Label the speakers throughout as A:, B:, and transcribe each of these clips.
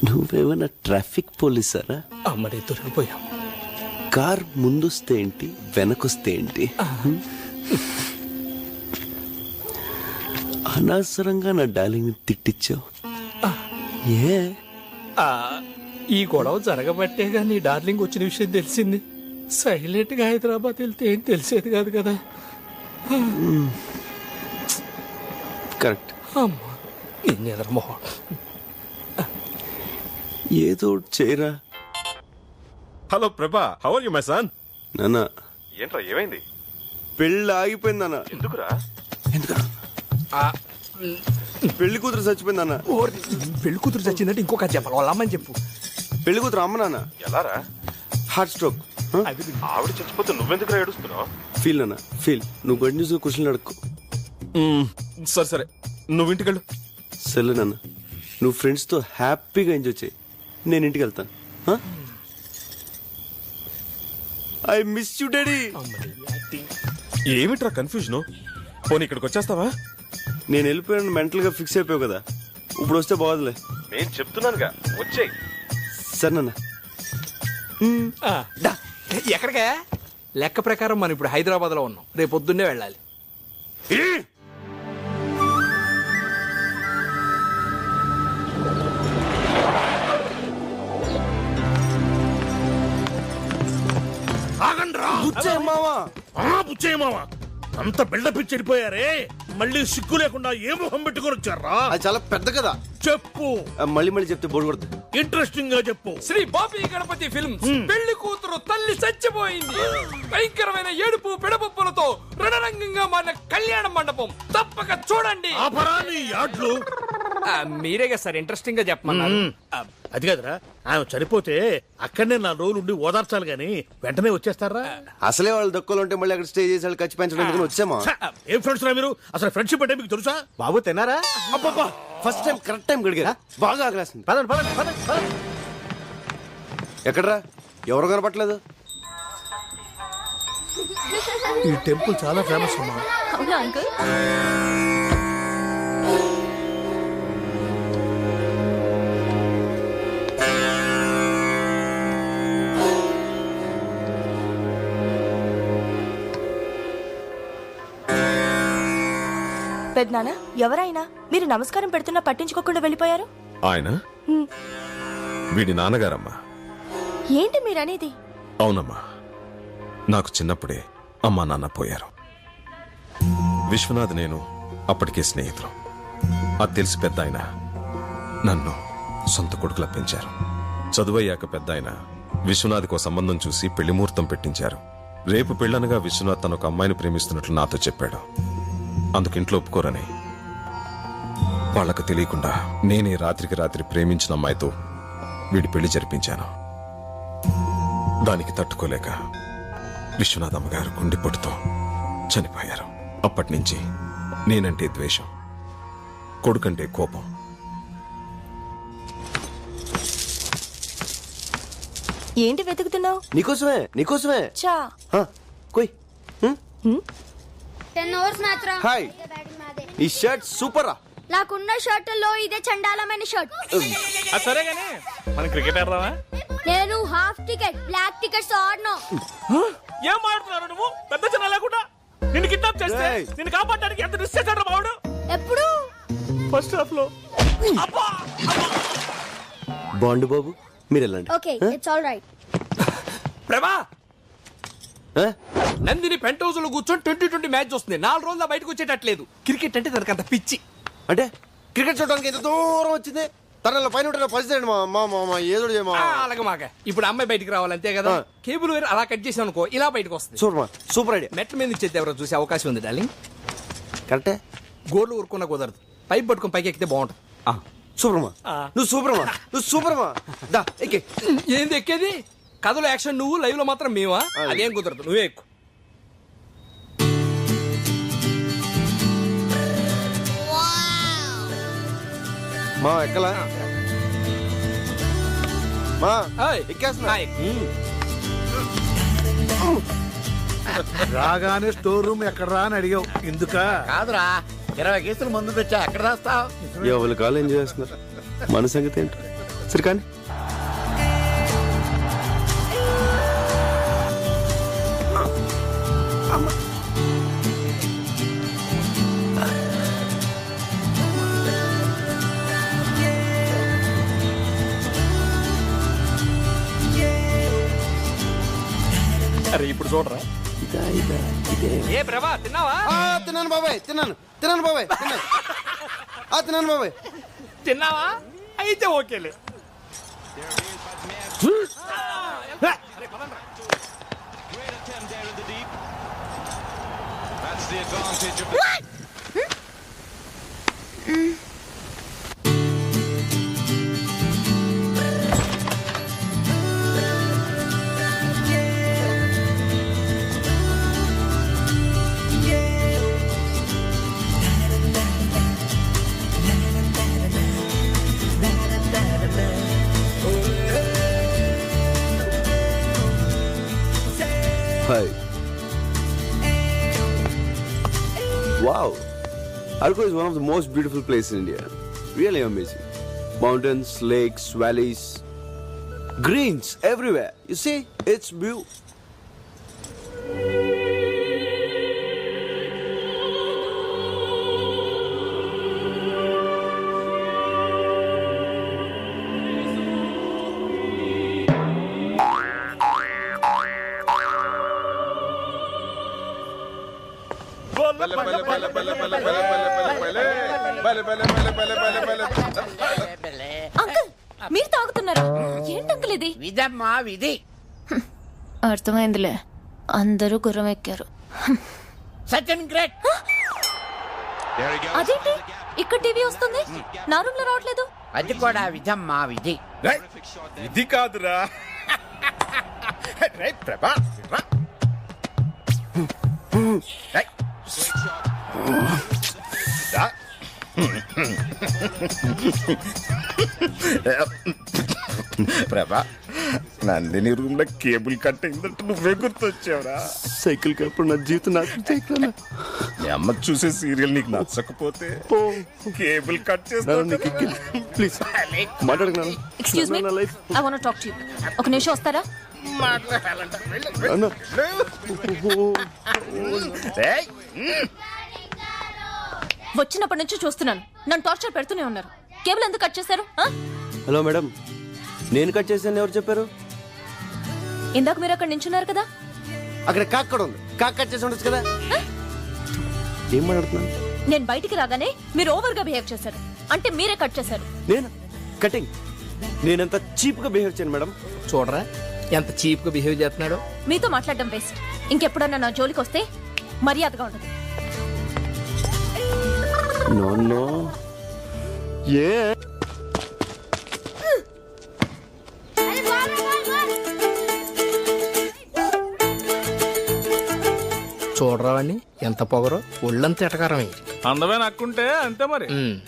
A: నువ్వేమైనా ట్రాఫిక్ పోలీసారా?
B: మరి దొరికిపోయాం.
A: కార్ ముందొస్తే ఏంటి, వెనకొస్తే ఏంటి? అనవసరంగా నా డార్లింగ్ తిట్టించావు. ఏ
B: ఈ గొడవ జరగబట్టేగా నీ డార్లింగ్ వచ్చిన విషయం తెలిసింది. సైలెంట్ గా హైదరాబాద్ వెళ్తే ఏం తెలిసేది కాదు కదా.
A: కరెక్ట్.
B: అమ్మా నిన్నెదరమోహం.
A: ఏదో ఒకటి చేయరా.
C: Hello Prabha, how are you my son?
A: నాన్న
C: ఏంట్రా ఏమైంది?
A: పెళ్ళి ఆగిపోయింది అన్న.
C: ఎందుకురా?
A: ఎందుకురా? పెళ్లి కూతురు చచ్చిపోయింది అన్న.
B: పెళ్లి కూతురు చచ్చిందంటే ఇంకొక చెప్పాలి, వాళ్ళ అమ్మని చెప్పు.
A: పెళ్లి కూతురు అమ్మ నాన్న
C: ఎలారా?
A: Heart stroke.
C: ఆవిడ చచ్చిపోతే నువ్వెందుకురా ఏడుస్తున్నావు?
A: ఫీల్ అన్న ఫీల్. నువ్వు గడి న్యూస్ క్వశ్చన్లు అడుక్కో.
C: సరే సరే, నువ్వు ఇంటికి వెళ్ళు.
A: సరే నాన్న, నువ్వు ఫ్రెండ్స్తో హ్యాపీగా ఎంజాయ్ చేయి. నేను ఇంటికి వెళ్తాను. I miss you daddy.
C: ఏమిట్రా కన్ఫ్యూజన్? పోనీ ఇక్కడికి వచ్చేస్తావా?
A: నేను వెళ్ళిపోయాను, మెంటల్ గా ఫిక్స్ అయిపోయావు కదా. ఇప్పుడు వస్తే బాగోదులే.
C: నేను చెప్తున్నానుగా, వచ్చేయ్.
A: సరే నాన్న.
B: ఎక్కడికే? లెక్క ప్రకారం మనం ఇప్పుడు హైదరాబాద్ లో ఉన్నాం, రేపు పొద్దున్నే వెళ్ళాలి.
D: బుచ్చేయమావా, అంత బిల్డప్ ఇచ్చి వెళ్ళిపోయారే, మళ్ళీ సిగ్గు లేకుండా ఏ మొహం పెట్టుకుని వచ్చారా?
A: అది చాలా పెద్ద కదా.
D: చెప్పు,
A: మళ్ళీ మళ్ళీ చెప్తే బోర్డు కొడుతుంది.
D: ఇంట్రెస్టింగ్ గా చెప్పు.
B: శ్రీ బాపి గణపతి ఫిల్మ్స్ పెళ్లి కూతురు తల్లి చచ్చిపోయింది. భయంకరమైన ఏడుపు పిడపప్పులతో రణరంగంగా మారిన కళ్యాణ మండపం తప్పక చూడండి.
D: ఆపరాని యాడ్లు
B: మీరేగా సార్ ఇంట్రెస్టింగ్ గా చెప్పమన్నారు.
D: అది కదరా, ఆమె చనిపోతే అక్కడనే 4 రోజులు ఉండి ఓదార్చాలి గాని వెంటనే వచ్చేస్తారా?
A: అసలే వాళ్ళు దక్కులు ఉంటే మళ్ళీ అక్కడ స్టే చేసి ఖర్చు పెంచడానికి వచ్చామా?
D: ఏం ఫ్రెండ్స్ రా మీరు? అసలు ఫ్రెండ్షిప్ అంటే మీకు తెలుసా?
A: బాబు తిన్నారా? అబ్బబ్బా, ఫస్ట్ టైం కరెక్ట్ టైం గడిగా. బాగా ఆకలేస్తుంది. పదండి పదండి పదండి పదండి. ఎక్కడరా? ఎవరు కనపట్లేదు?
D: ఈ టెంపుల్ చాలా ఫేమస్ అమ్మా.
E: అవునా అంకుల్? పెద్దనాన్న, ఎవరైనా మీరు నమస్కారం పెడుతున్నా పట్టించుకోకుండా వెళ్ళిపోయారు.
C: ఆయన వీడి నాన్నగారమ్మా.
E: ఏంటి మీరనేది?
C: అవునమ్మా, నాకు చిన్నప్పుడే అమ్మా నాన్న పోయారు. విశ్వనాథ్ నేను అప్పటికే స్నేహితులు. అది తెలిసి పెద్ద ఆయన నన్ను సొంత కొడుకులా పెంచారు. చదువయ్యాక పెద్ద ఆయన విశ్వనాథ్కో సంబంధం చూసి పెళ్లి ముహూర్తం పెట్టించారు. రేపు పెళ్ళనగా విశ్వనాథ్ తన ఒక అమ్మాయిని ప్రేమిస్తున్నట్లు నాతో చెప్పాడు. అందుకు ఇంట్లో ఒప్పుకోరని వాళ్లకు తెలియకుండా నేనే రాత్రికి రాత్రి ప్రేమించిన అమ్మాయితో వీడి పెళ్లి జరిపించాను. దానికి తట్టుకోలేక విశ్వనాథ్ అమ్మగారు గుండెపోటుతో చనిపోయారు. అప్పటి నుంచి నేనంటే ద్వేషం, కొడుకంటే కోపం.
E: ఏంటి వెతుకుతున్నావు?
A: నీకోసమే నీకోసమే.
E: చా
A: కోయ్.
F: 10 ఓవర్స్ మ్యాచ్ రా.
A: హాయ్, ఈ షర్ట్ సూపర్ రా.
F: నాకున్న షర్టుల్లో ఇదే చండాలమైన షర్ట్.
B: సరే గానీ మనం క్రికెట్ ఆడదామా?
F: నేను హాఫ్ టికెట్, బ్లాక్ టికెట్స్ ఆడను.
B: ఏం ఆడుతున్నారు నువ్వు? పెద్ద చిన్న లేకుండా నిన్ను కిడ్నాప్ చేస్తే నిన్ను కాపాడడానికి ఎంత రిస్క్ చేశాడు బావుడు.
F: ఎప్పుడు?
B: ఫస్ట్ హాఫ్ లో.
A: బాండు బాబు, మీరు వెళ్ళండి.
F: Okay, it's all right.
B: Prabha, Nandini pent house లో కూర్చొని 2020 మ్యాచ్ వస్తుంది. 4 రోజుల్లో బయటకు వచ్చేటట్లేదు. క్రికెట్ అంటే తనకు అంత పిచ్చి.
A: అంటే క్రికెట్ చూడడానికి ఎంత దూరం వచ్చింది. తన పైన పరిస్థితి ఏదో
B: అలాగే మాక. ఇప్పుడు అమ్మాయి బయటికి రావాలి అంతే కదా. కేబుల్ వేరు అలా కట్ చేసాం అనుకో, ఇలా బయటకు వస్తుంది.
A: Super idea.
B: మెట్ల మీద ఇచ్చేది ఎవరో చూసే అవకాశం ఉంది డార్లింగ్.
A: కరెక్టే.
B: గోర్లు ఊరుకున్నా కుదరదు. పైప్ పట్టుకుని పైకి ఎక్కితే బాగుంటుంది.
A: సూపర్మా, నువ్వు సూపర్మా, నువ్వు సూపర్మా. దా ఎక్కే.
B: ఏంది ఎక్కేది? కథలో యాక్షన్ నువ్వు, లైవ్ లో మాత్రం మేమా? అదేం కుదరదు, నువ్వే ఎక్కువ.
A: మా ఎక్కలా మా ఎక్కేస్తున్నా.
D: రాగానే స్టోర్ రూమ్ ఎక్కడరా అని అడిగావు. ఎందుక?
G: కాదురా, 20 కేసులు మందు తెచ్చా, ఎక్కడ రాస్తావు?
A: ఎవరి కాలు ఎంజాయ్ చేస్తున్నారు. మన సంగతి ఏంటి? సరే కానీ
B: అరే ఇప్పుడు చూడరా ఏ ప్రభా తిన్నావా?
A: తిన్నాను బాబాయ్ తిన్నాను తిన్నాను బాబాయ్ తిన్నాను బాబాయ్.
B: తిన్నావా? అయితే ఓకేలే.
A: Hi. Wow. Arco is one of the most beautiful places in India. Really amazing. Mountains, lakes, valleys, greens everywhere. You see, it's beautiful.
E: Uncle మీరు తాగుతున్నారా? ఏంటి అంకుల్ ఇది?
G: విధమ్మా విధి.
E: అర్థమైందిలే, అందరూ గుర్రం ఎక్కారు.
G: సచిన్ గ్రేట్.
E: అదేంటి ఇక్కడ టీవీ వస్తుంది, నా రూమ్ లో రావట్లేదు?
G: అది కూడా విధమ్మా విధి.
D: ఇది కాదురా ప్రభా. ప్రభా, నందిని రూమ్ లో కేబుల్ కట్ అయిందంటే నువ్వే గుర్తొచ్చావురా.
A: సైకిల్ కప్పుడు నా జీవితం నాకు
D: మీ అమ్మ చూసే సీరియల్ నీకు నచ్చకపోతే కేబుల్ కట్ చేస్తాను.
A: ప్లీజ్ మాట్లాడుకున్నాను.
E: Excuse me, I want to talk to you. ఒక నిమిషం వస్తారా? వచ్చినప్పటి నుంచి చూస్తున్నాను, నన్ను టార్చర్ పెడుతూనే ఉన్నారు. కేబుల్ ఎందుకు కట్ చేశారు?
A: హలో మేడం, నేను కట్ చేశాను ఎవరు చెప్పారు?
E: ఇందాక మీరు అక్కడ నించున్నారు కదా.
A: అక్కడ కాక్ కూడా ఉంది, కాక్ కట్ చేసి ఉండొచ్చు కదా. ఏం మాట్లాడుతున్నాను?
E: నేను బయటికి రాగానే మీరు ఓవర్ గా బిహేవ్ చేశారు, అంటే మీరే కట్ చేశారు.
A: నేను కటింగ్? నేనంత చీప్ గా బిహేవ్ చేయను మేడం.
B: చూడరా ఎంత చీప్ గా బిహేవ్ చేస్తున్నాడు.
E: మీతో మాట్లాడడం వేస్ట్. ఇంకెప్పుడన్నా నా జోలికి వస్తే మర్యాదగా ఉండదు.
A: No no. ఏ
B: చూడరా వాడిని ఎంత పొగరో, ఒళ్ళంత ఎటకారమే.
D: అందమే నక్కుంటే అంతే మరి.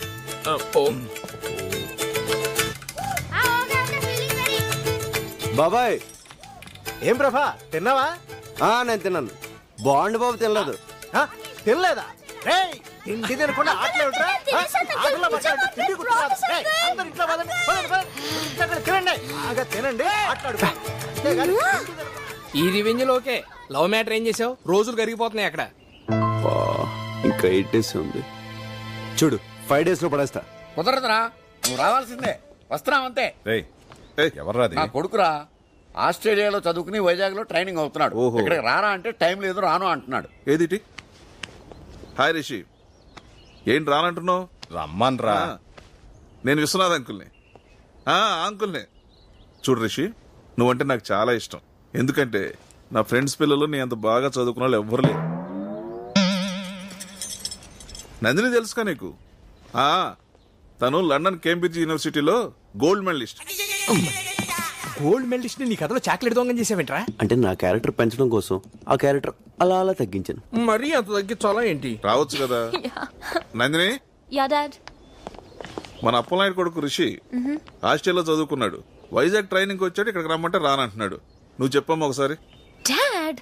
A: బాబాయ్.
H: ఏం ప్రభా తిన్నావా?
A: నేను తిన్నాను. బాండ్ బాబు తినలేదు.
H: తినలేదా? తిండి తినకుండా ఆటలు ఏమిట్రా? ఆటల్లో పడ్డారంటే తిండి గుర్తురాదు. అందరూ ఇంట్లో పదండి, పదండి, పదండి. ఇంట్లో తినండి, బాగా తినండి, ఆటలాడుకోండి.
B: ఈ రివెంజ్ లోకే లవ్ మ్యాటర్ ఏం చేసావు? రోజులు కరిగిపోతున్నాయి అక్కడ.
A: ఇంకా 8 days ఉంది. చూడు 5 days లో పడేస్తా.
G: కుదరదురా, నువ్వు రావాల్సిందే. వస్తున్నావంతే.
C: ఎవర్రాది?
G: నా కొడుకురా, ఆస్ట్రేలియాలో చదువుకుని వైజాగ్ లో ట్రైనింగ్ అవుతున్నాడు.
C: ఓహో.
G: ఇక్కడికి రారా అంటే టైం లేదు, రాను అంటున్నాడు.
C: ఏదిటి? హాయ్ రిషి, ఏంటి రానంటున్నావు?
D: రమ్మన్ రా.
C: నేను విశ్వనాథ్ అంకుల్ని. అంకుల్ని. చూడు రిషి, నువ్వంటే నాకు చాలా ఇష్టం. ఎందుకంటే నా ఫ్రెండ్స్ పిల్లలు నీ అంత బాగా చదువుకున్న వాళ్ళు ఎవ్వరు లేరు. నందిని తెలుసుకా నీకు? తను లండన్ కేంబ్రిడ్జ్ యూనివర్సిటీలో గోల్డ్ మెడలిస్ట్.
B: గోల్డ్ మెడలిస్ట్ నీ కథలో చాక్లెట్ దొంగం చేసావేంట్రా?
A: అంటే నా క్యారెక్టర్ పెంచడం కోసం ఆ క్యారెక్టర్ అలా అలా తగ్గించాను.
B: మరీ అంత తగ్గించాలా ఏంటి?
C: రావచ్చు కదా. Nandini,
E: yeah dad.
C: మన అప్పలనాయుడు కొడుకు రిషి ఆస్ట్రేలియాలో చదువుకున్నాడు. వైజాగ్ ట్రైనింగ్ వచ్చాడు, ఇక్కడికి రమ్మంటే రానంటున్నాడు. నువ్వు చెప్పమ్మా ఒకసారి.
E: Dad,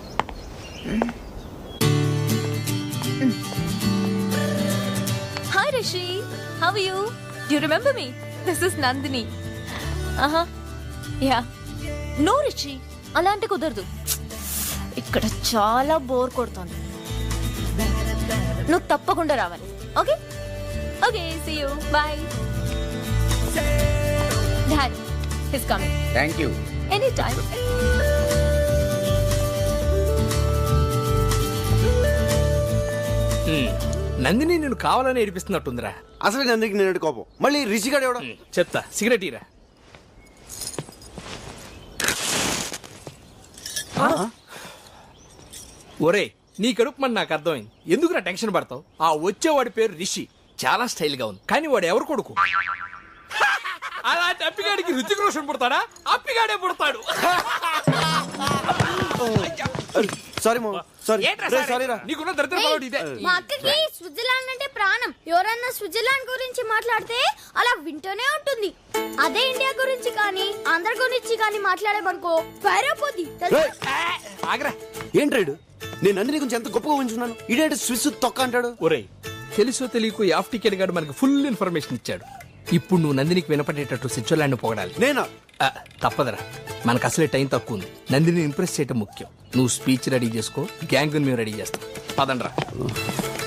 E: hi Rishi. How are you? Do you remember me? This is Nandini. Yeah. No, Rishi. అలా అంటే కుదరదు. ఇక్కడ చాలా బోర్ కొడుతోంది. నువ్వు తప్పకుండా రావాలి. Okay okay, see you, bye. Dad his coming.
G: Thank you.
E: Any time.
B: Nandini నేను కావాలని ఏడిపిస్తున్నట్టుందిరా.
A: అసలు నందికి నేను కోపం, మళ్ళీ రిషిగాడు ఎవడ?
B: చెప్తా, సిగరెట్ ఇరా. ఒరే, నీ కడుపు మన నాకు అర్థమైంది. ఎందుకురా టెన్షన్ పడతావు? ఆ వచ్చేవాడి పేరు రిషి, చాలా స్టైల్ గా ఉంది. కానీ వాడు ఎవరు కొడుకు? అలాంటి అప్పిగాడికి రుచిక రోషన్ పుడతాడా? అప్పిగాడే పుడతాడు.
A: సారీ మా సారీ.
B: ఏంట్రా
A: రే,
B: సారీ?
A: సారీ రా.
B: నీకున్న దరిద్ర పడవడు ఇదే.
F: మా అక్కకి స్విట్జర్లాండ్ అంటే ప్రాణం. ఎవరన్నా స్విట్జర్లాండ్ గురించి మాట్లాడితే అలా వింటూనే ఉంటుంది. అదే ఇండియా గురించి కానీ ఆంధ్ర గురించి కానీ మాట్లాడేమనుకో పైరైపోద్ది.
A: రేయ్,
B: ఆగరా.
A: ఏంట్రాడు? నేను నందిని గురించి ఎంత గొప్పగా ఉంచున్నాను, ఇడేంటి స్విస్ తొక్క అంటాడు.
B: ఒరే, తెలుసో తెలియకు యాఫ్ టికెట్ గాడు మనకి ఫుల్ ఇన్ఫర్మేషన్ ఇచ్చాడు. ఇప్పుడు నువ్వు నందినికి వినపడేటట్టు స్విట్జర్లాండ్ పొగడాలి.
A: నేనా?
B: తప్పదరా, మనకు అసలే టైం తక్కువ ఉంది. నందిని ఇంప్రెస్ చేయటం ముఖ్యం. నువ్వు స్పీచ్ రెడీ చేసుకో, గ్యాంగ్ మేము రెడీ చేస్తాం. పదండ్రా.